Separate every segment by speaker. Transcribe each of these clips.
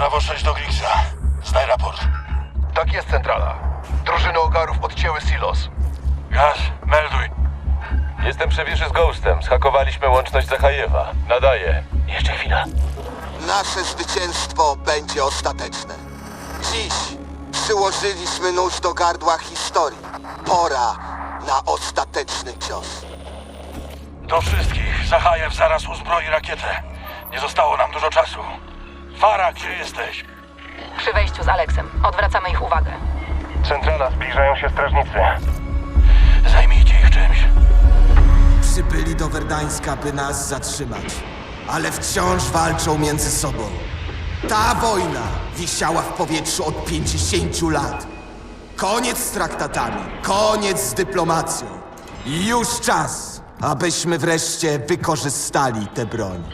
Speaker 1: Brawo 6 do Griggsa. Zdaj raport.
Speaker 2: Tak jest, centrala. Drużyny Ogarów odcięły silos.
Speaker 1: Gaz, melduj.
Speaker 3: Jestem przy wieży z Ghostem. Zhakowaliśmy łączność Zachajewa. Nadaję.
Speaker 1: Jeszcze chwila.
Speaker 4: Nasze zwycięstwo będzie ostateczne. Dziś przyłożyliśmy nóż do gardła historii. Pora na ostateczny cios.
Speaker 1: Do wszystkich. Zachajew zaraz uzbroi rakietę. Nie zostało nam dużo czasu. Farah, gdzie jesteś?
Speaker 5: Przy wejściu z Aleksem. Odwracamy ich uwagę.
Speaker 3: Centrala, zbliżają się strażnicy.
Speaker 1: Zajmijcie ich czymś.
Speaker 6: Przybyli do Werdańska, by nas zatrzymać, ale wciąż walczą między sobą. Ta wojna wisiała w powietrzu od 50 lat. Koniec z traktatami, koniec z dyplomacją. I już czas, abyśmy wreszcie wykorzystali tę broń.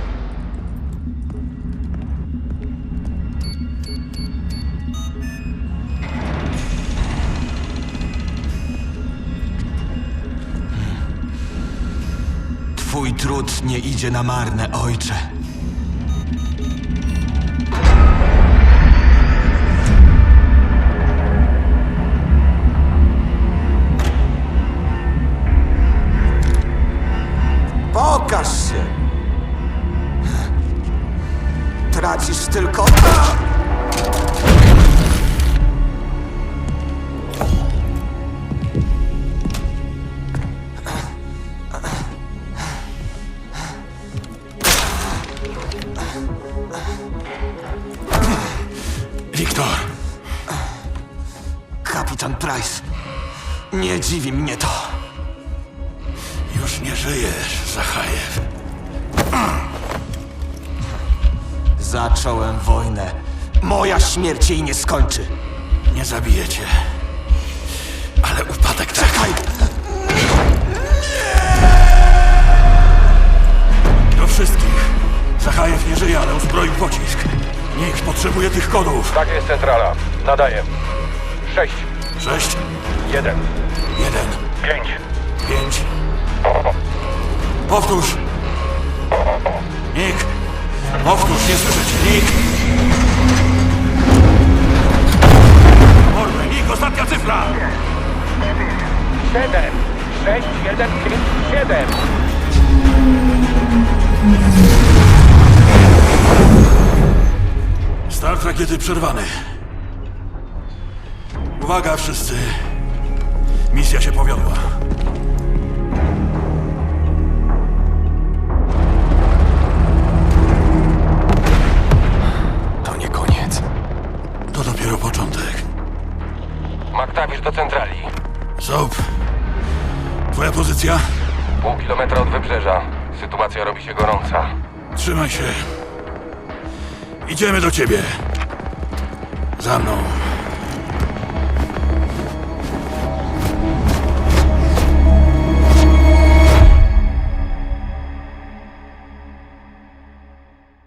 Speaker 6: Twój trud nie idzie na marne, ojcze. Pokaż się! Tracisz tylko...
Speaker 1: Wiktor.
Speaker 6: Kapitan Price, nie dziwi mnie to.
Speaker 1: Już nie żyjesz, Zachajew.
Speaker 6: Zacząłem wojnę. Moja śmierć jej nie skończy.
Speaker 1: Nie zabiję cię. Ale upadek tak.
Speaker 6: Czekaj!
Speaker 1: Do wszystkich. Zachajew nie żyje, ale uzbroił pocisk. Nikt potrzebuje tych kodów.
Speaker 3: Tak jest, centrala. Nadaję. 6,
Speaker 1: 6,
Speaker 3: 1,
Speaker 1: 1,
Speaker 3: 5.
Speaker 1: 5. Powtórz. Nick. Powtórz, nie słyszę cię. Nick. Mordę, Nick, ostatnia cyfra.
Speaker 3: 7, 6, 1, 5, 7.
Speaker 1: Start rakiety przerwany. Uwaga wszyscy. Misja się powiodła.
Speaker 3: To nie koniec.
Speaker 1: To dopiero początek.
Speaker 3: Maktawisz do centrali.
Speaker 1: Soap. Twoja pozycja?
Speaker 3: Pół kilometra od wybrzeża. Sytuacja robi się gorąca.
Speaker 1: Trzymaj się. Idziemy do ciebie. Za mną.